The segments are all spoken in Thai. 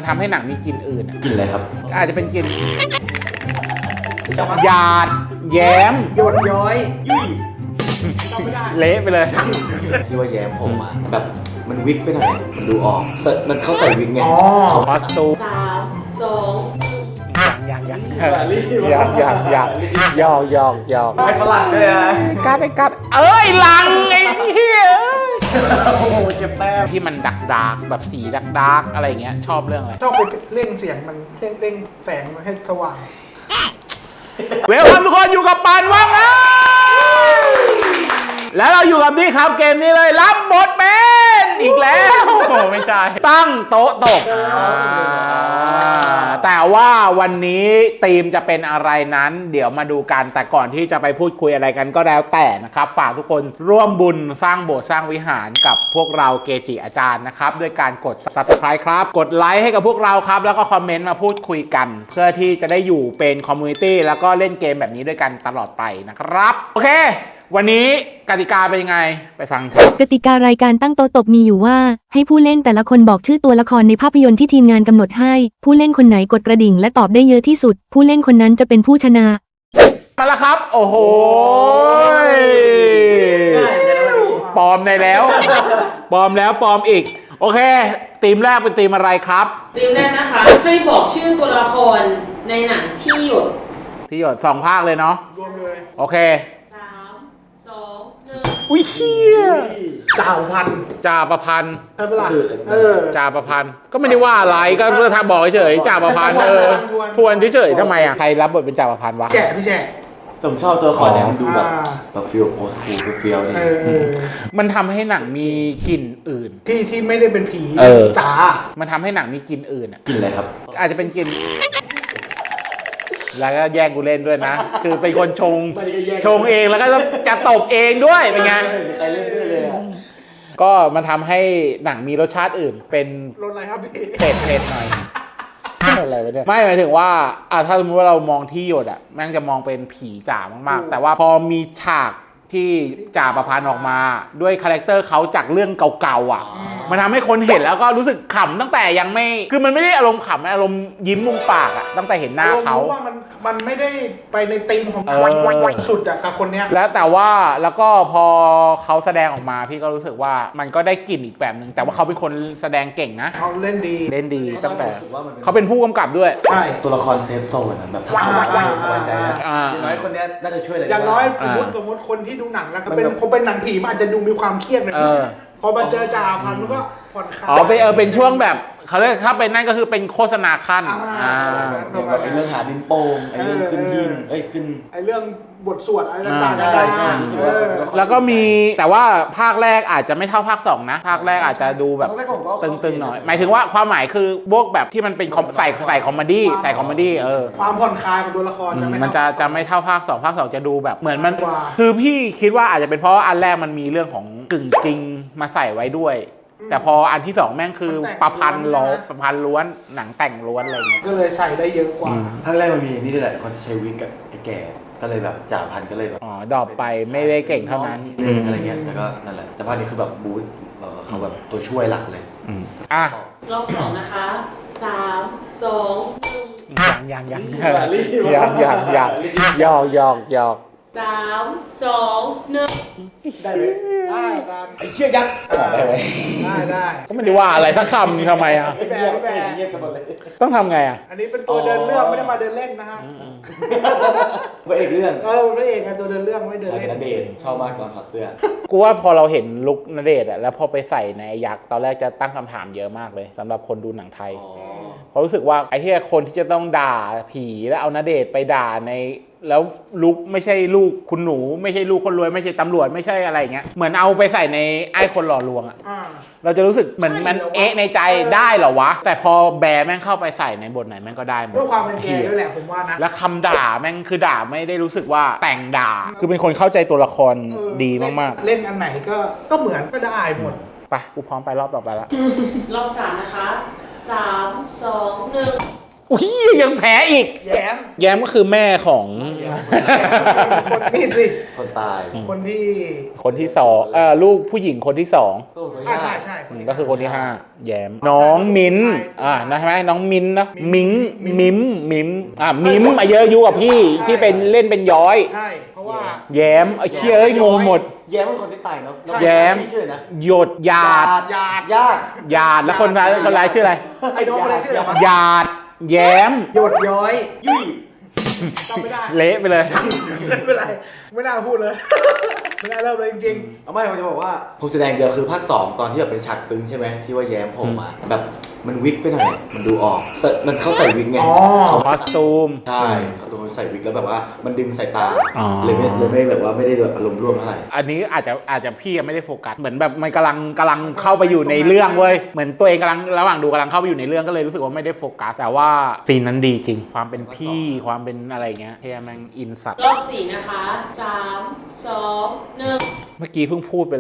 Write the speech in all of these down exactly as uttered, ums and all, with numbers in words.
ทำให้หนังมีกลิ่นอื่นกลิ่นอะไรครับอาจจะเป็นกลิ่นหยาดแย้มหยดย้อยยุ่ยเละไปเลยที่ว่าแย้มผมอ่ะแบบมันวิกไปหน่อยมันดูออกมันเขาใส่วิกไงคอสตูมสามสองยังยังยังยังยังยังยอกยอกยอกไอ้ฝรั่งเลยอ่ะกัดไอ้กัดเอ้ยลังไอ้เหี้ยโอ้โหเก็บแต้มที่มันดักดักแบบสีดักดักอะไรเงี้ยชอบเรื่องอะไรชอบไปเร่งเสียงมันเร่งเร่งแสงมันให้สว่างเวลคัมทุกคนอยู่กับปานว่างนะแล้วเราอยู่กับนี่ครับเกมนี้เลยรับบทเป็นอีกแล้วโอ้ไม่ใช่ตั้งโต๊ะตกแต่ว่าวันนี้ธีมจะเป็นอะไรนั้นเดี๋ยวมาดูกันแต่ก่อนที่จะไปพูดคุยอะไรกันก็แล้วแต่นะครับฝากทุกคนร่วมบุญสร้างโบสถ์สร้างวิหารกับพวกเราเกจิอาจารย์นะครับด้วยการกด ซับสไครบ์ ครับกดไลค์ให้กับพวกเราครับแล้วก็คอมเมนต์มาพูดคุยกันเพื่อที่จะได้อยู่เป็นคอมมูนิตี้แล้วก็เล่นเกมแบบนี้ด้วยกันตลอดไปนะครับโอเควันนี้กติกาเป็นยังไงไปฟังครับกติการายการตั้งโต๊ะตบมีอยู่ว่าให้ผู้เล่นแต่ละคนบอกชื่อตัวละครในภาพยนตร์ที่ทีมงานกำหนดให้ผู้เล่นคนไหนกดกระดิ่งและตอบได้เยอะที่สุดผู้เล่นคนนั้นจะเป็นผู้ชนะมาแล้วครับโอ้โหปลอมในแล้วปลอมแล้วปลอมอีกโอเคทีมแรกเป็นทีมอะไรครับทีมแรกนะคะให้บอกชื่อตัวละครในหนังที่หยดที่หยดสองภาคเลยเนาะรวมเลยโอเคสามสองหนึ่งอุ้ยเฮียจ่าพันจ่าประพันธ์ใช่ปะล่ะเออจ่าประพันธ์ก็ไม่ได้ว่าอะไรก็เพื่อทำบอกเฉยจ่าประพันธ์เออทวนเฉยทำไมอ่ะใครรับบทเป็นจ่าประพันธ์วะแฉะพี่แฉะผมชอบตัวละครเนี่ยมันดูแบบแบบฟีลโอสคูลเฟีลนี่มันทำให้หนังมีกลิ่นอื่นที่ที่ไม่ได้เป็นผีจ๋ามันทำให้หนังมีกลิ่นอื่นอ่ะกลิ่นอะไรครับอาจจะเป็นกลิ่นแล้วก็แย่งกูเล่นด้วยนะคือเป็นคนชงชงเองแล้วก็จะตบเองด้วยเป็นไงใครเล่นด้วยเลยก็มันทำให้หนังมีรสชาติอื่นเป็นรสอะไรครับพี่เผ็ดเผ็ดหน่อยอะไรวะเนี่ยไม่หมายถึงว่าอ่ะถ้าสมมติว่าเรามองที่หยดอ่ะแม่งจะมองเป็นผีจ๋ามากๆแต่ว่าพอมีฉากที่จ่าประพันธ์ออกมาด้วยคาแรคเตอร์เขาจากเรื่องเก่าๆอ่ะมันทำให้คนเห็นแล้วก็รู้สึกขำตั้งแต่ยังไม่คือมันไม่ได้อารมณ์ขำอารมณ์ยิ้มมุมปากอ่ะตั้งแต่เห็นหน้าเขารู้ว่ามันมันไม่ได้ไปในธีมของวันสุดอ่ะกับคนเนี้ยแล้วแต่ว่าแล้วก็พอเขาแสดงออกมาพี่ก็รู้สึกว่ามันก็ได้กลิ่นอีกแบบนึงแต่ว่าเขาเป็นคนแสดงเก่งนะเขาเล่นดีเล่นดีตั้งแต่เขาเป็นผู้กำกับด้วยใช่ตัวละครเซฟโซนนะแบบสบายใจนะอย่างน้อยคนนี้น่าจะช่วยอะไรอย่างน้อยสมมติสมมติคนที่ดูหนังแล้วก็เป็นพอเป็นหนังผีมันอาจจะดูมีความเครียดหน่อยพอมาเจอจ่าพันมันก็ผ่อนคลายอ๋อเป็นเออเป็นช่วงแบบเขาเรียกถ้าเป็นนั่นก็คือเป็นโฆษณาขั้นอ่าแบบไอ้เรื่องหาดินโป่งไอ้เรื่องขึ้นหินเอ้ยขึ้นไอ้เรื่องบทสวดอะไรต่างๆใช่ใช่แล้วก็มีแต่ว่าภาคแรกอาจจะไม่เท่าภาคสองนะภาคแรกอาจจะดูแบบตึงๆหน่อยหมายถึงว่าความหมายคือพวกแบบที่มันเป็นใส่ใส่คอมเมดี้ใส่คอมเมดี้เออความผ่อนคลายของตัวละครมันจะจะไม่เท่าภาคสองภาคสองจะดูแบบเหมือนมันคือพี่คิดว่าอาจจะเป็นเพราะอันแรกมันมีเรื่องของกึ่งจริงมาใส่ไว้ด้วยแต่พออันที่สองแม่งคือประพันธ์ล้อประพันธ์ล้วนหนังแต่งล้วนอะไรเงี้ยก็เลยใส่ได้เยอะกว่าภาคแรกมันมีนี่ด้วยแหละคนที่ใช้วิกกับไอ้แก่ก็เลยแบบจ่าพันก็เลยแบบอ๋อดรอปไปไม่ได้เก่งเท่านั้นอะไรเงี้ยแต่ก็นั่นแหละแต่ภาคนี้คือแบบบูสต์เขาแบบตัวช่วยหลักเลยอ่ะรอบสองนะคะสามสองยังยังยังยังยังยังยอกยอกยอกสามสองหนึ่งได้ไหมได้ตามไอ้เชี่ยยักษ์ได้ไหมได้ได้ก็ไม่ได้ว่าอะไรสักคำทำไมอ่ะแบะแบะเงียบกันหมดเลยต้องทำไงอ่ะอันนี้เป็นตัวเดินเรื่องไม่ได้มาเดินเล่นนะฮะพระเอกเรื่องเออพระเอกไงตัวเดินเรื่องไม่เดินเล่นณเดชน์ชอบมากตอนถอดเสื้อกูว่าพอเราเห็นลุคณเดชน์อ่ะแล้วพอไปใส่ในยักษ์ตอนแรกจะตั้งคำถามเยอะมากเลยสำหรับคนดูหนังไทยเพราะรู้สึกว่าไอ้ที่คนที่จะต้องด่าผีแล้วเอาณเดชน์ไปด่าในแล้วลุกไม่ใช่ลูกคุณหนูไม่ใช่ลูกคนรวยไม่ใช่ตำรวจไม่ใช่อะไรอย่างเงี้ยเหมือนเอาไปใส่ในไอ้คนหล่อลวงอ่ะเราจะรู้สึกเหมือนมันเอ๊ะในใจได้เหรอวะแต่พอแบร์แม่งเข้าไปใส่ในบทไหนแม่งก็ได้หมดด้วยความเป็นแกด้วยแหละผมว่านะแล้วคำด่าแม่งคือด่าไม่ได้รู้สึกว่าแต่งด่าคือเป็นคนเข้าใจตัวละครดีมากๆเล่นอันไหนก็ก็เหมือนก็ได้หมดไปกูพร้อมไปรอบต่อไปละรอบสามนะคะสามสองหนึ่งอุ้ยยังแพ้อีกแย้มแย้มก็คือแม่ของคนนี่สิคนตายคนที่คนที่สองเออลูกผู้หญิงคนที่สองก็คนที่อ่าห้าใช่ใช่อืมก็คือคนที่ห้าแย้มน้องมิ้นอ่านะใช่ไหมน้องมิ้นนะมิงมิมมิมอ่ามิมอายุอายุกับพี่ที่เป็นเล่นเป็นย้อยใช่เพราะว่าแย้มไอ้เชี่ยเอ้ยงงหมดแย้มเป็นคนที่ตายเนาะแย้มชื่อนะหยดหยาดหยาดญาติหยาดแล้วคนร้ายคนร้ายชื่ออะไรไอ้น้องคนนั้นชื่ออะไรวะหยาดแย้มหยดย้อยยุ่ยจำไม่ได้เละไปเลยไม่เป็นไรไม่น่าพูดเลย ไม่น่าเริ่มเลยจริงเอาไม่ผมจะบอกว่าผมแสดงเดียวคือภาคสองตอนที่แบบเป็นฉากซึ้งใช่ไหมที่ว่าแย้มผมมาแบบมันวิกไปหน่อยมันดูออกแต่มันเขาใส่วิกไงอ๋อคอสตูมใช่เขาตัวใส่วิกแล้วแบบว่ามันดึงสายตาอ๋อเลยไม่เลยไม่แบบว่าไม่ได้แบบอารมณ์ร่วมเท่าไหร่อันนี้อาจจะอาจจะพี่ยังไม่ได้โฟกัสเหมือนแบบมันกำลังกำลังเข้าไปอยู่ในเรื่องเว้ยเหมือนตัวเองกำลังระหว่างดูกำลังเข้าไปอยู่ในเรื่องก็เลยรู้สึกว่าไม่ได้โฟกัสแต่ว่าซีนนั้นดีจริง ความเป็นพี่ความเป็นอะไรเงี้ยเฮียแม่งอินสัตว์รอบสี่นะคะสามสองหนึ่งเมื่อกี้เพิ่งพูดไปเลย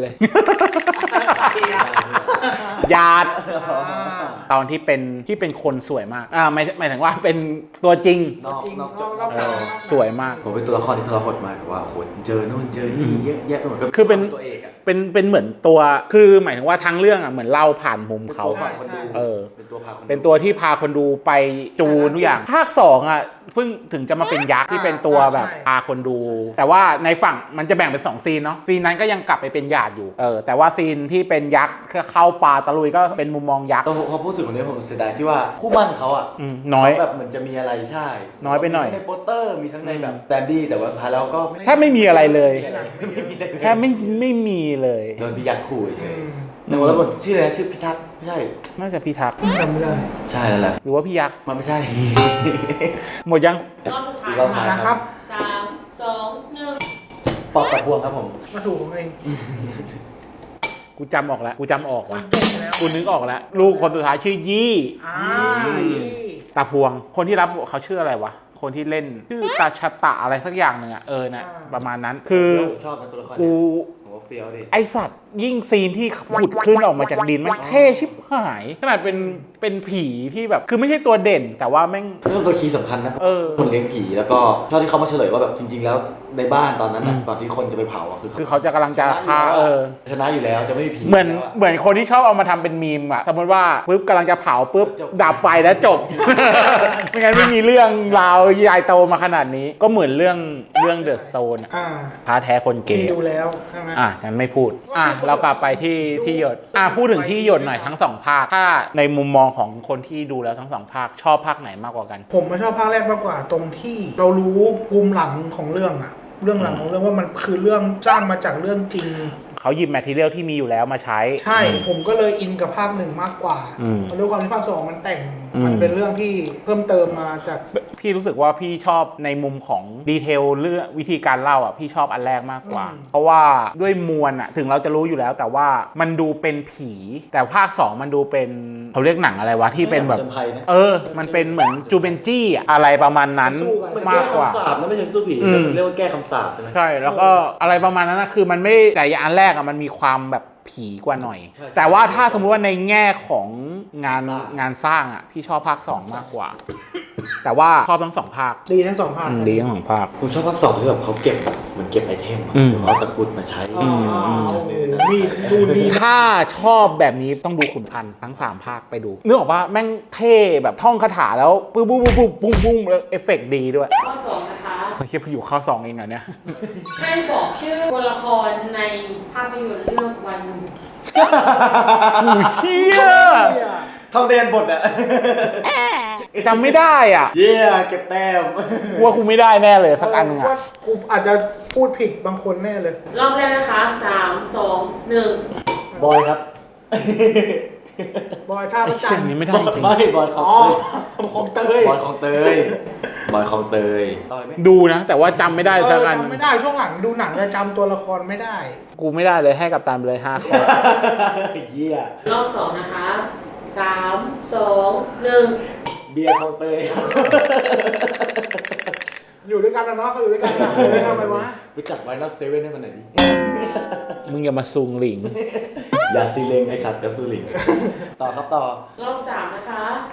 ๆหยาดอ่าตอนที่เป็นที่เป็นคนสวยมากอ่าหมายหมายถึงว่าเป็นตัวจริงนอกจริงนอกนอกนอกเอจากอสวยมากผมเป็นตัวละครที่ทรหดมากแบบว่าโหเจอนู่นเจอนี่เยอะแยะไปหมดก็คือเป็นตัวเอกอะเป็นเป็นเหมือนตัวคือหมายถึงว่าทั้งเรื่องอ่ะเหมือนเล่าผ่านมุมเขาเป็นตัวฝั่งคนดูเออเป็นตัวพาคนดูเป็นตัวที่พาคนดูไปจูนทุกอย่าง ภาคสองอ่ะเพิ่งถึงจะมาเป็นยักษ์ที่เป็นตัวแบบพาคนดู แต่ว่าในฝั่งมันจะแบ่งเป็นสองซีนเนาะซีนนั้นก็ยังกลับไปเป็นหยาดอยู่เออแต่ว่าซีนที่เป็นยักษ์เข้าป่าตะลุยก็เป็นมุมมองยักษ์พอพูดถึงคนนี้ผมเสียดายที่ว่าคู่มั่นเขาอ่ะอืมน้อยเขาแบบเหมือนจะมีอะไรใช่น้อยไปหน่อยมีทั้งในโปสเตอร์มีทั้งในแบบแดนดี้แต่ว่าสุดท้ายแล้วก็แทบไม่มีอะไรเลยไม่มีอะไรไม่มีอะไรเลยแทบไม่ไม่มีเลยโดนพิยักษ์ขู่เฉอืยมๆในวอลเลย์บอลชื่ออะไรนะชื่อพิทักษ์ไม่ใช่น่าจะพี่ทักษ์จำไม่ได้ใช่นั่นแหละหรือว่าพี่ยักษ์มันไม่ใช่หมดยังรอบสุดท้ายรอบสุดท้ายนะครับสามสองหนึ่งปอกตะพวงครับผมมาถูกของเองกูจำออกแล้วกูจำออกว่ะเก่งแล้วกูนึกออกแล้วลูกคนสุดท้ายชื่อยี่อ่าตาพวง คนที่รับเขาชื่ออะไรวะคนที่เล่นชื่อตาชะตะอะไรสักอย่างหนึ่งอะเออนะประมาณนั้นคือชอบนะตัวละครกูเนี่ยผมว่าเฟี้ยวดิไอสัตว์ยิ่งซีนที่ขุดขึ้นออกมาจากดินมันเท่ชิบหาย ขนาดเป็นเป็นผีที่แบบคือไม่ใช่ตัวเด่น แต่ว่าแม่งเรื่องตัวคีย์สำคัญนะเออคนเลี้ยงผีแล้วก็ชอบที่เขามาเฉลยว่าแบบจริง ๆ แล้วในบ้านตอนนั้นน่ะอืมตอนที่คนจะไปเผาอ่ะคือคือเขาจะกำลังจะฆ่าเออชนะอยู่แล้วจะไม่มีผีเหมือนแล้วะเหมือนคนที่ชอบเอามาทำเป็นมีมอะสมมติว่าปุ๊บกำลังจะเผาปุ๊บจบดับไฟแล้วจบ ไม่งั้นไม่มีเรื่องราวใหญ่โตมาขนาดนี้ ก็เหมือนเรื่องเรื่องเดอะสโตนอ่าพาแท้คนเกที่ย์ดูแล้วใช่ไหมอ่ะงั้นไม่พูด อ่ะเรากลับไปที่ที่หยด อ่ะพูดถึงที่หยดหน่อยทั้งสองภาค ถ้าในมุมมองของคนที่ดูแล้วทั้งสองภาค ชอบภาคไหนมากกว่ากันผมมาชอบภาคแรกมากกว่าตรงที่เรารู้ภูมิหลังของเรื่องอะเรื่องหลังของเรื่องว่ามันคือเรื่องสร้างมาจากเรื่องจริงเขาหยิบแมททีเรียลที่มีอยู่แล้วมาใช้ใช่ ผมก็เลยอินกับภาคหนึ่งมากกว่าอืมเพราะด้วยความที่ภาคสองมันแต่งอืมมันเป็นเรื่องที่เพิ่มเติมมาจากพี่รู้สึกว่าพี่ชอบในมุมของดีเทลเรื่องวิธีการเล่าอ่ะพี่ชอบอันแรกมากกว่าอืมเพราะว่าด้วยมวลอ่ะถึงเราจะรู้อยู่แล้ว แต่ว่ามันดูเป็นผี แต่ภาคสองมันดูเป็นเขาเรียกหนังอะไรวะที่เป็นแบบจนภัยนะเออ มันเป็นเหมือนจูเบนจี้อะอะไรประมาณนั้นสู้กันมันมาแก้กกว่าคำสาปนะไม่ใช่สู้ผีอืมมันเรียกว่าแก้คำสาปใช่ไหมใช่แล้วก็อะไรประมาณนั้นนะคือมันไม่แต่อย่างอันแรกอะมันมีความแบบผีกว่าหน่อยใช่แต่ว่าถ้าสมมติว่าในแง่ของงานสร้างงานสร้างอะพี่ชอบภาคสองมากกว่า แต่ว่าชอบทั้งสองภาคดีทั้งสองภาคอืมดีทั้งสองภาคผมชอบภาคสองที่แบบเขาเก็บแบบเหมือนเก็บไอเทมอะอืมเขาเอาตะกรุดมาใช้อ๋ออืมโอ้โหมีดูดีถ้าชอบแบบนี้ต้องดูขุนพันธ์ทั้งสามภาคไปดูนึกออกว่าแม่งเท่แบบท่องคาถาแล้วปุ๊บปุ๊บปุ๊บปุ๊บปุ๊บปุ๊บแล้วเอฟเฟกต์ดีด้วยข้อสองนะคะไม่ใช่อยู่ข้อสองเองเหรอเนี่ยให้บอกชื่อตัวละครในภาพยนตร์เรื่องวันหนึ่งหูเชี่ยทองเดนบทอะจำไม่ได้อ่ะเย้เก็บแต้มกลัวกูไม่ได้แน่เลยสักอันหนึงว่าอ่ะกูอาจจะพูดผิดบางคนแน่เลยรอบแรกนะคะสามสองหนึ่งบอยครับบอยท่าไอ้ประจัเช่นนนี้ไม่ได้จริงไม่บอยของอ๋อเตยของเตยบอยของเตยบอยของเตยต่อยไหมดูนะ แต่ว่าจำไม่ได้เอสักออันจำไม่ได้ช่วงหลังดูหนังจะจำตัวละครไม่ได้กูไม่ได้เลยให้กับตามไปเลยห้าข้อเยี่ยรอบสองนะคะสามสองหนึ่งเบียร์ของเตยอยู่ด้วยกันนะเนาะเขาอยู่ด้วยกันนะเลยทำไมวะไปจัดไว้นัดเซเว่นให้มันหน่อยดิมึงอย่ามาซุงหลิงอย่าซีเลงไอสัตว์อย่าซูลิงต่อครับต่อรอบสามนะคะส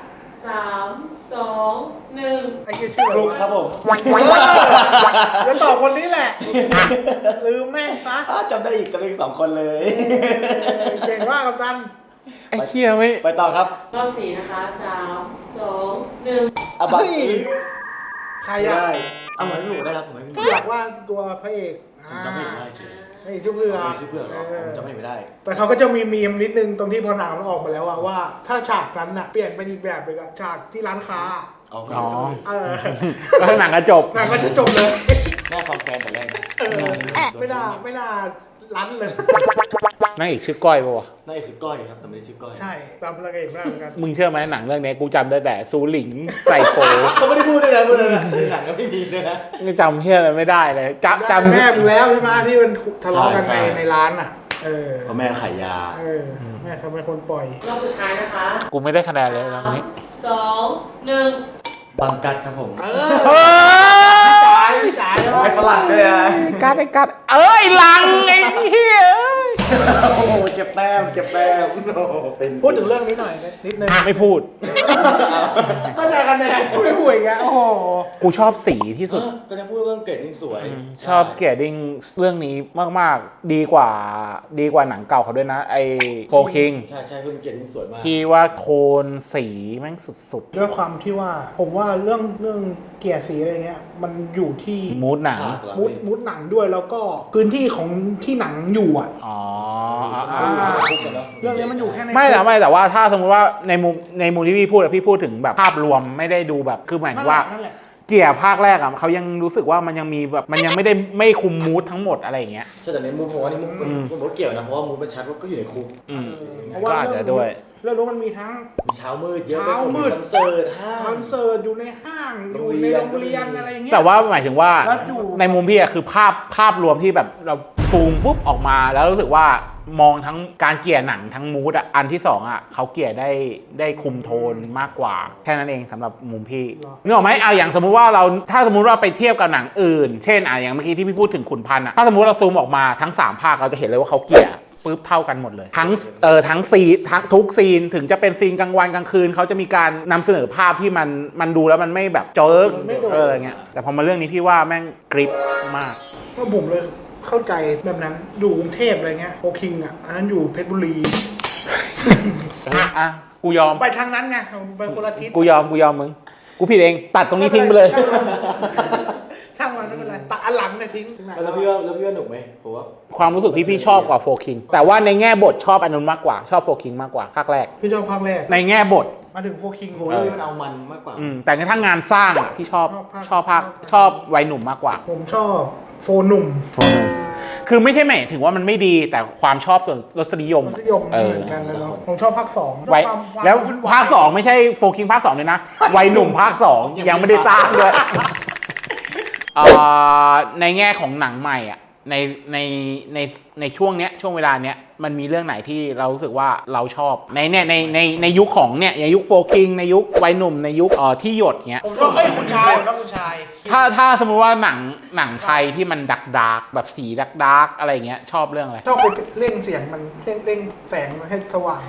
สามสองหนึ่งไอ้เหี้ยชื่อฟลุกครับผมแล้วตอบคนนี้แหละ ลืมแม่งซะอ้าวจำได้อีกจำได้อีกสองคนเลยเก่งมากกัปตันไอ้เคียไม่ไปต่อครับรอบสี่นะคะสามสองหนึ่งอาบัตเฮ้ย ใครอ่ะได้เอาเหมือนหนูได้ครับผมไม่เผือกว่าตัวพระเอกผมจำไม่ได้ชื่อไอ้ชื่อเผือกชื่อเพื่อนเหรอผมจำไม่ได้แต่เขาก็จะมีมีมนิดนึงตรงที่พอหนังมันออกมาแล้วอะว่า ถ้าฉากนั้นน่ะเปลี่ยนเป็นอีกแบบเลยอะฉากที่ร้านค้าเอาอ๋อเออแล้วหนังก็จบหนังก็จะจบเลยแม่ความแฟนแต่แรกเออไม่น่าไม่น่ารั้นเลยนั่งอีกชื่อก้อยปะวะนั่นคือก้อยครับแต่ไม่ได้ชื่อก้อยใช่ตามพระเอกมากเหมือนกันมึงเชื่อไหมหนังเรื่องนี้กูจำได้แต่ซูหลิงใส่โกเขาไม่ได้พูดด้วยนะพูดด้วยนะหนังก็ไม่มีด้วยนะไม่จำเฮียอะไรไม่ได้เลยจำจำแม่มึงแล้วใช่ไหมที่มันทะเลาะกันใช่ในใช่ในร้านอ่ะ เออเพราะแม่ขายยาเออแม่เขาเป็นคนปล่อยรอบสุดท้ายนะคะกูไม่ได้คะแนนเลยตอนนี้สองหนึ่งบังกัดครับผมเอเอออสายสายไม่ฝรั่งด้วยนะกัดไอ้กัดเอ้ยลังไอ้เฮียโอ้โหเก็บแต้มเก็บแต้มโอ้โหเป็นพูดถึงเรื่องนี้หน่อยนิดนึงไม่พูดไม่ได้คะแนนไม่พูดอย่างเงี้ยโอ้โหกูชอบสีที่สุดก็จะพูดเรื่องเกรดยิ่งสวยชอบเกียรดิ้งเรื่องนี้มากๆ ดีกว่าดีกว่าหนังเก่าเขาด้วยนะ ไอ้โฟคิงใช่ใช่เรื่องเกรดยิ่งสวยมากที่ว่าโทนสีแม่งสุดด้วยความที่ว่าผมว่าเรื่องเรื่องเกียร์สีอะไรเงี้ยมันอยู่ที่ๆ มูดหนังฉากเหรอมุดมุดหนังด้วยแล้วก็พื้นที่ของที่หนังอยู่อ่ะอ๋ออ่าคุกกันเนอะเรื่องนี้มันอยู่แค่ในไม่แต่ไม่แต่ว่าถ้าสมมติว่าในมุมในมุมที่พี่พูดอะพี่พูดถึงแบบภาพรวมไม่ได้ดูแบบคือหมายถึนั่นงแหว่าละนั่นแหละเกียร์ภาคแรกอะเขายังรู้สึกว่ามันยังมีแบบมันยังไม่ได้ไม่คุมมูดทั้งหมดอะไรอย่างเงี้ยใช่แต่ในมุมผมว่านี่มุมอืมผมว่าเกี่ยวนะเพราะว่ามุมมันชัดว่าก็อยู่ในคุกอืมเพราะก็ว่าอาจจะด้วยเรื่องรู้มันมีทั้งมีเช้ามืดเยอะเช้ามืดคอนเสิร์ตห้างคอนเสิร์ตอยู่ในห้างอยู่ในโรงเรียนอะไรเงี้ยแต่ว่าหมายถึงว่าแล้วดูในมุมพี่อะคือภาพภาพรวมที่แบบเราซูมปุ๊บออกมาแล้วรู้สึกว่ามองทั้งการเกลี่ยหนังทั้งมูดอะอันที่สองอะเขาเกลี่ยได้ได้คุมโทนมากกว่าแค่นั้นเองสำหรับมุมพี่นึกออกไหมเอาอย่างสมมุติว่าเราถ้าสมมุติว่าไปเทียบกับหนังอื่น เช่นอ่ะอย่างเมื่อกี้ที่พี่พูดถึงขุนพันธ์อะถ้าสมมุติเราซูมออกมาทั้งสามภาคเราจะเห็นเลยว่าเขาเกลี่ยปุ๊บเท่ากันหมดเลยทั้งเออทั้งซีนทั้งทุกซีนถึงจะเป็นซีนกลางวันกลางคืนเขาจะมีการนำเสนอภาพที่มันมันดูแล้วมันไม่แบบเจิกเอออะไรเงี้ยแต่พอมาเรื่องนี้พี่ว่าแม่งกริปมากก็ผมเลยเข้าใจแบบนั้นอยู่กรุงเทพอะไรเงี้ยโอคิงอ่ะอันนั้นอยู่เพชรบุรีอ่ะกูยอมไปทางนั้นไงไปคนละทิศกูยอมกูยอมมึงกูผิดเองตัดตรงนี้ทิ้งไปเลยช่างมันไม่เป็นไรตัดอันหลังเนี่ยทิ้งแล้วพี่ว่าแล้วพี่ว่าหนุกไหมผมว่าความรู้สึกพี่พี่ชอบกว่าโฟคิงแต่ว่าในแง่บทชอบอันนู้นมากกว่าชอบโฟคิงมากกว่าภาคแรกพี่ชอบภาคแรกในแง่บทมาถึงโฟคิงผมว่าเรื่องนี้มันเอามันมากกว่าอืมแต่ถ้างานสร้างอะพี่ชอบชชออบบ ภาภาคคชอบวัยหนุ่มมากกว่าผมชอบโฟหนุ่มคือไม่ใช่หมายถึงว่ามันไม่ดีแต่ความชอบส่วนรสนิยมรสนิยมเออเหมือนกันนะเนาะผมชอบภาคสองไว้ชอบความแล้ววุ่นยภาคสองไม่ใช่โฟคิงภาคสองเลยนะวัยหนุ่มภาคสองยังไม่ได้สร้างด้วยเอ่อในแง่ของหนังใหม่อ่ะในในในในช่วงเนี้ยช่วงเวลาเนี้ยมันมีเรื่องไหนที่เรารู้สึกว่าเราชอบในเนี่ยในในในยุคของเนี่ยในยุคโฟคิงในยุควัยหนุ่มในยุคเอ่อที่หยดเนี้ยผมชอบเอ้ยคุณชายผมชอบคุณชายถ้าถ้าสมมุติว่าหนังหนังไทยที่มันดักดาร์กแบบสีดักดาร์กอะไรเงี้ยชอบเรื่องอะไรชอบไปเร่งเสียงมันเร่งเร่งแสงมันให้สว่าง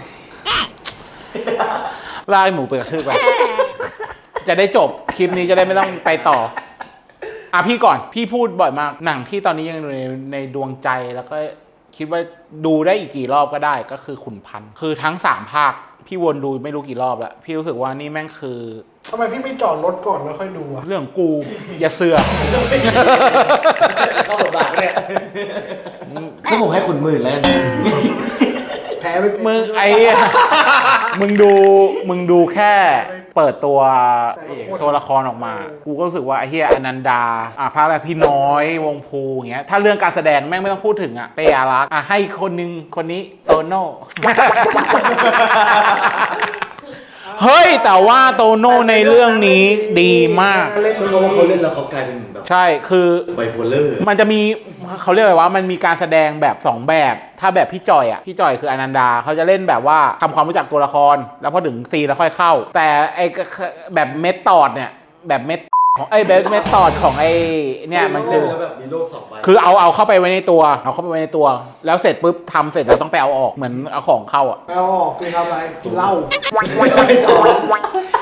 ลากหมูไปกระชืบไป จะได้จบคลิปนี้จะได้ไม่ต้องไปต่ออ่ะพี่ก่อนพี่พูดบ่อยมากหนังที่ตอนนี้ยังอยู่ในในดวงใจแล้วก็คิดว่าดูได้อีกกี่รอบก็ได้ก็คือขุนพันธ์คือทั้งสามภาคพี่วนดูไม่รู้กี่รอบแล้วพี่รู้สึกว่านี่แม่งคือทำไมพี่ไม่จอดรถก่อนแล้วค่อยดูอะเรื่องกูอย่าเสือกเข้าบทบาทเนี่ยถ้าผมให้คุณหมื่นแล้วกันแพ้ไปมึงไอ้ มึงดูมึงดูแค่เปิดตัวตัวละครออกมา กูก็รู้สึกว่าไอ้เฮียอนันดาอ่ะภาคแรกพี่น้อยวงภูอย่างเงี้ยถ้าเรื่องการแสดงแม่งไม่ต้องพูดถึงอ่ะเปอารักษ์อ่ะให้คนนึงคนนี้โตโน่ เฮ้ยแต่ว่าโตโน่ในเรื่องนี้ดีมากเล่นเพราะว่าเขาเล่นแล้วเขากลายเป็นแบบใช่คือไบโพเลอร์มันจะมีเขาเรียกอะไรว่ามันมีการแสดงแบบสองแบบถ้าแบบพี่จอยอ่ะพี่จอยคืออนันดาเขาจะเล่นแบบว่าทำความรู้จักตัวละครแล้วพอถึงซีนแล้วค่อยเข้า แต่ไอแบบเมทอดเนี่ยแบบเมทของไอ้แบบเมทอดของไอ้เนี่ยมันคือแล้วแบบมีโลกสองใบคือเอาเอาเข้าไปไว้ในตัวเอาเข้าไปไว้ในตัว แล้วเสร็จปุ๊บทำเสร็จแล้วต้องไปเอาออกเหมือนเอาของเข้าอ่ะไปเอาออกไปทำอะไรกินเหล้า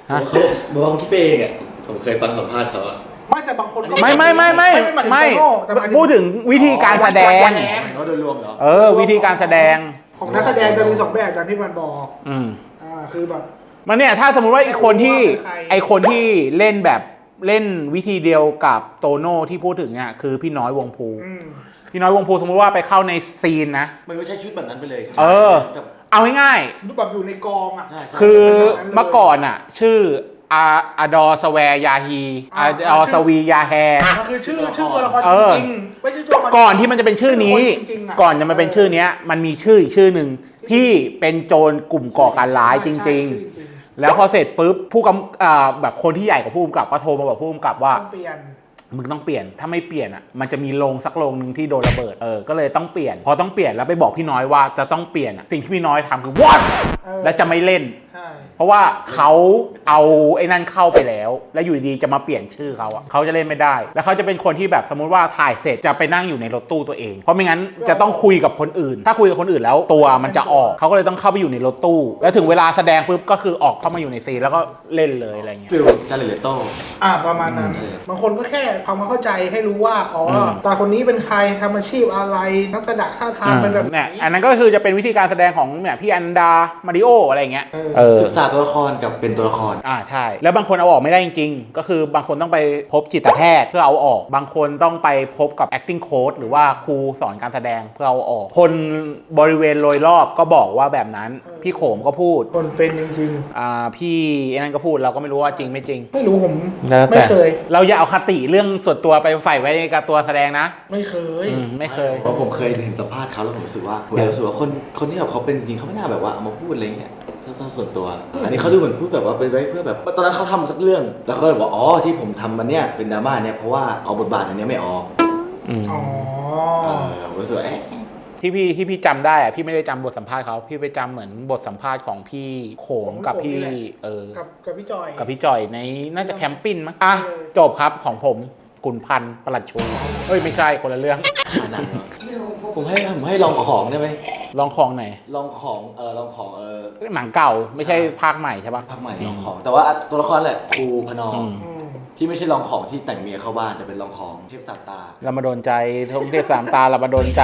ฮะเขาบอกว่าเขาคิดไปเองอ่ะผมเคยฟังสัมภาษณ์เขาอ่ะไม่แต่บางคนก็ไม่ไม่ไม่ไม่ไม่ไม่แต่หมายถึงพูดถึงวิธีการแสดงการแสดงเขาโดยรวมเหรอเออ วิธีการแสดงของนักแสดงจะมีสองแบบอย่างที่มันบอกอืมอ่าคือแบบมันเนี่ยถ้าสมมุติว่าไอคนที่ไม่รู้ว่าเป็นใครไอคนที่เล่นแบบเล่นวิธีเดียวกับโตโน่ที่พูดถึงเนี่ยคือพี่น้อยวงภูอืมพี่น้อยวงภูสมมุติว่าไปเข้าในซีนนะมันไม่ใช่ชุดแบบนั้นไปเลยเออกับเอาง่ายรูปแบบอยู่ในกองอ่ะใช่ใช่ๆคือเมื่อก่อนอ่ะ ชื่ออาอาดอสแวร์ยาฮีอาอ่าดอสวียาแฮมันคือชื่อชื่อตัวละครเอจอริงๆไม่ใช่ตัวละครก่อนที่มันจะเป็นชื่อนี้ชื่อคนจริงๆอะก่อนจะมาเป็นชื่อเนี้ย มันมีชื่ออีกชื่อหนึ่งที่เป็นโจรกลุ่มก่อการร้ายจริง ๆ แล้วพอเสร็จปุ๊บผู้กำอ่าแบบคนที่ใหญ่กว่าผู้กำกับก็โทรมาบอกผู้กำกับว่าต้องเปลี่ยนมึงต้องเปลี่ยน ถ้าไม่เปลี่ยนอ่ะ มันจะมีโรงสักโรงหนึ่งที่โดนระเบิด เออ ก็เลยต้องเปลี่ยน พอต้องเปลี่ยนแล้วไปบอกพี่น้อยว่าจะต้องเปลี่ยนอ่ะ สิ่งที่พี่น้อยทำคือ what เออและจะไม่เล่นใช่เพราะว่าเขาเอาไอ้นั่นเข้าไปแล้ว แล้วอยู่ดีๆจะมาเปลี่ยนชื่อเขาอ่ะเขาจะเล่นไม่ได้ แล้วเขาจะเป็นคนที่แบบสมมุติว่าถ่ายเสร็จจะไปนั่งอยู่ในรถตู้ตัวเอง เพราะไม่งั้นจะต้องคุยกับคนอื่น ถ้าคุยกับคนอื่นแล้วตัวมันจะออก เขาก็เลยต้องเข้าไปอยู่ในรถตู้ แล้วถึงเวลาแสดงปุ๊บก็คือออกเข้ามาอยู่ในซีนแล้วก็เล่นเลยอะไรเงี้ยฟิลจาเลเลโต้อ่าประมาณนั้นอืมบางคนก็แค่ทำความเข้าใจให้รู้ว่าอ๋ออมตาคนนี้เป็นใครทำอาชีพอะไรลักษณะท่าทางเป็นแบบไหนเนี่ยอันนั้นก็คือจะเป็นวิธีการแสดงของเนี่ยพี่อันดา มาริโออะไรเงี้ยเออเออศึกษาตัวละครกับเป็นตัวละครอ่าใช่ แล้วบางคนเอาออกไม่ได้จริงๆ ก็คือบางคนต้องไปพบจิตแพทย์เพื่อเอาออก บางคนต้องไปพบกับ acting coach หรือว่าครูสอนการแสดงเพื่อเอาออก คนบริเวณโดยรอบก็บอกว่าแบบนั้น พี่โขมก็พูดคนเป็นจริงอ่าพี่ไอ้นั่นก็พูดเราก็ไม่รู้ว่าจริงไม่จริงๆ ไม่รู้ผมแล้วไม่แต่เคยเราอย่าเอาคติเรื่องส่วนตัวไปใส่ไว้กับตัวแสดงนะไม่เคยอืมไม่เคยเพราะผมเคยเห็นสัมภาษณ์เขาแล้วผมรู้สึกว่าผมรู้สึกว่าคนคนที่แบบเขาเป็นจริงเขาไม่น่าแบบว่าเอามาพูดอะไรเงี้ยถ้าถ้าส่วนตัว อันนี้เขาดูเหมือนพูดแบบว่าเป็นไว้เพื่อแบบตอนนั้นเขาทำสักเรื่อง แล้วเขาเลยบอกอ๋อที่ผมทำมันเนี่ยเป็นดราม่าเนี่ยเพราะว่าเอาบทบาทอันเนี้ยไม่ออกอืมอ๋อเออผมรู้สึกว่าเอ๊ะที่พี่ที่พี่จำได้อะพี่ไม่ได้จำบทสัมภาษณ์เขาพี่ไปจำเหมือนบทสัมภาษณ์ของพี่โขงกับพี่เออกับกับพี่จอยกับพี่จอยในน่าจะแคมปิ้งมั้งอ่ะเออจบครับของผมกุนพันธ์ประหลัดชูเอ้ยไม่ใช่คนละเรื่องหนังผมให้ผมให้ลองของได้ไหมลองของไหนลองของเออลองของเออหนังเก่าไม่ใช่ภาคใหม่ใช่ปะภาคใหม่ลองของ แต่ว่าตัวละครแหละครูพนออืมอืมที่ไม่ใช่ลองของที่แต่งเมียเข้าบ้านแต่เป็นลองของเทพสามตาเรามาโดนใจทงเทพสามตาเรามาโดนใจ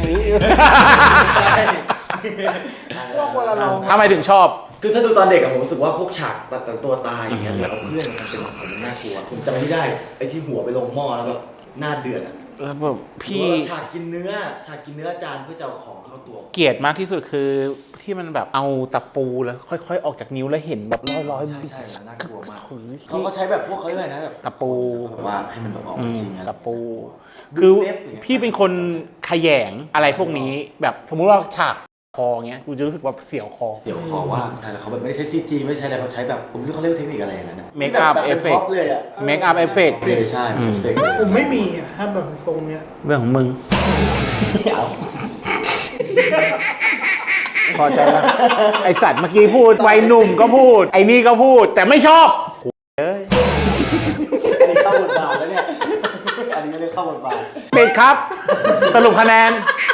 ว่าคนละลองทำไมถึงชอบคือถ้าดูตอนเด็กอะผมรู้สึกว่าพวกฉากตัดตัวตายอย่างเงี้ยหรือเอาเพื่อนมันเป็นมันน่ากลัวผมจำไม่ได้ไอ้ที่หัวไปลงหม้อแล้วแบบหน้าเดือดอะแล้วแบบพี่หรือว่าฉากกินเนื้อฉากกินเนื้อจานเพื่อจะเอาของเข้าตัวเกลียดมากที่สุดคือที่มันแบบเอาตะปูแล้วค่อยๆ ออกจากนิ้วแล้วเห็นแบบร้อยๆใช่ใช่มันน่ากลัวมากเฮ้ยเขาก็ใช้แบบพวกเขาเรียกอะไรนะแบบตะปูแบบว่าให้มันแบบออกอืมาม จริงอะตะปู คือเล็บอย่างเงี้ยพี่เป็นคนขยงอะไรพวกนี้แบบสมมุติว่าฉากคอเงี้ยกูจะรู้สึกว่าเสียวคอเสียวคอว่าใช่แล้วเขาแบบไม่ได้ใช้ซีจีไม่ได้ใช้อะไรเขาใช้แบบผมไม่รู้เขาเรียกว่าเทคนิคอะไรอย่างนั้นนะ Make up ที่แบบ effect ป็น pop เลยอะ make up effect เลยใช่อืมเอฟเฟกต์เลยผมไม่มีอ่ะถ้าแบบทรงเนี้ยเรื่องของมึงเอาพอใจแล้ว ไอสัตว์เมื่อกี้พูดวัยหนุ่มก็พูด ไอ้นี่ก็พูด แต่ไม่ชอบเอ้ยอันนี้เข้าบทบาทแล้วเนี่ยอันนี้ไม่ได้เข้าบทบาทปิดครับ สรุปคะแนน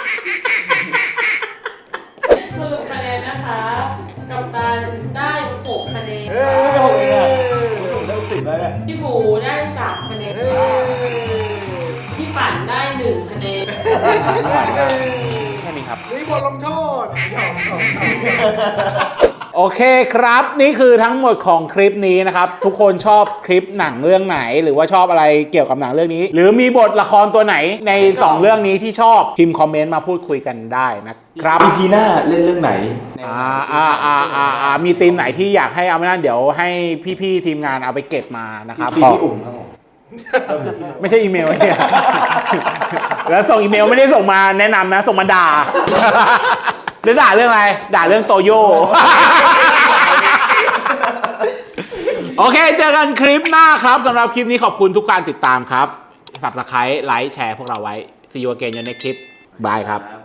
สรุปคะแนนนะคะกัปตันได้หกคะแนนไม่หกเองอะผมได้สิบแล้วเนี่ยพี่หมูได้สามคะแนนพี่ปั่นได้หนึ่งคะแนนแค่นี้ครับนี่บทลงโทษหยอกหยอกหยอกโอเคครับ นี่คือทั้งหมดของคลิปนี้นะครับ ทุกคนชอบคลิปหนังเรื่องไหน หรือว่าชอบอะไรเกี่ยวกับหนังเรื่องนี้ หรือมีบทละครตัวไหนในสองเรื่องนี้ที่ชอบพิมพ์คอมเมนต์มาพูดคุยกันได้นะครับอีพีหน้าเล่นเรื่องไหนอ่าอ่าอ่าอ่าอ่ามีทีมไหนที่อยากให้เอาไม่นั่นเดี๋ยวให้พี่ๆทีมงานเอาไปเก็บมานะครับซีขอพี่อุ่มครับผมไม่ใช่อีเมลเนี่ย แล้วส่งอีเมลไม่ได้ส่งมาแนะนำนะ ส่งมาด่า หรือด่าเรื่องอะไร ด่าเรื่องโตโย่ โอเค เจอกันคลิปหน้าครับสำหรับคลิปนี้ขอบคุณทุกการติดตามครับ Subscribe ไลค์แชร์พวกเราไว้ See you again ในคลิปบายครับ